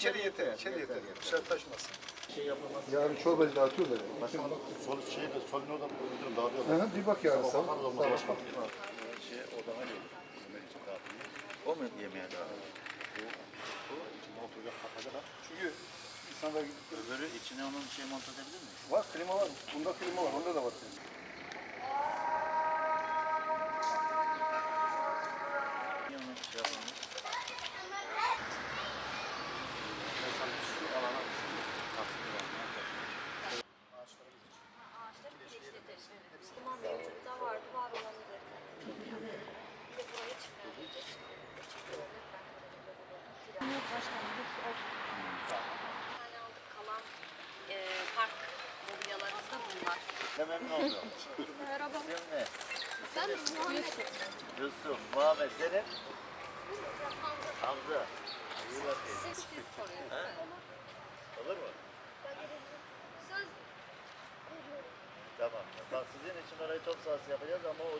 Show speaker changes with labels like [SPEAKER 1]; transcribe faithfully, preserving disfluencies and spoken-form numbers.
[SPEAKER 1] içeri yeter. İçeri yeter. Dışarı taşmasın.
[SPEAKER 2] Şey yapamaz.
[SPEAKER 3] Yarın çorbacı dağıtıyorlar yani.
[SPEAKER 2] Başkanım sol şeyde solun orada müdürüm dağılıyor.
[SPEAKER 3] Hı hı, bir bak yarın sabah.
[SPEAKER 2] Bakarız olmaz
[SPEAKER 3] Sabah.
[SPEAKER 2] başkanım. Şey odama geliyor. Yemek için dağıtıyor. O mu yemeğe dağıtıyor? Bu, bu içine oturacak kapacak.
[SPEAKER 1] Çünkü insanlar
[SPEAKER 2] Öbürü içine onun şey monte edebilir mi?
[SPEAKER 1] var, klima var. Bunda klima var. Onda da var.
[SPEAKER 2] Niye onu şey yapalım? Mesela şu alana taksini vermeye
[SPEAKER 4] Ağaçları birleştireceğiz. Müslüman mevcutta vardı, var olanı da. Bir de buraya çıkartacağız. Başkanım, hepsi o. Bir tane aldık, kalan e, park mobilyalarımız da bunlar.
[SPEAKER 2] Ne memnun oldum.
[SPEAKER 4] Merhaba.
[SPEAKER 2] İsim ne?
[SPEAKER 4] Ben Muhammed.
[SPEAKER 2] Yusuf, Muhammed, senin? Hamza. İyi bakayım.
[SPEAKER 4] Siz siz soruyorsunuz.
[SPEAKER 2] Ha? Olur mu?
[SPEAKER 4] Söz
[SPEAKER 2] Tamam. Bak sizin için orayı top sahası yapacağız ama o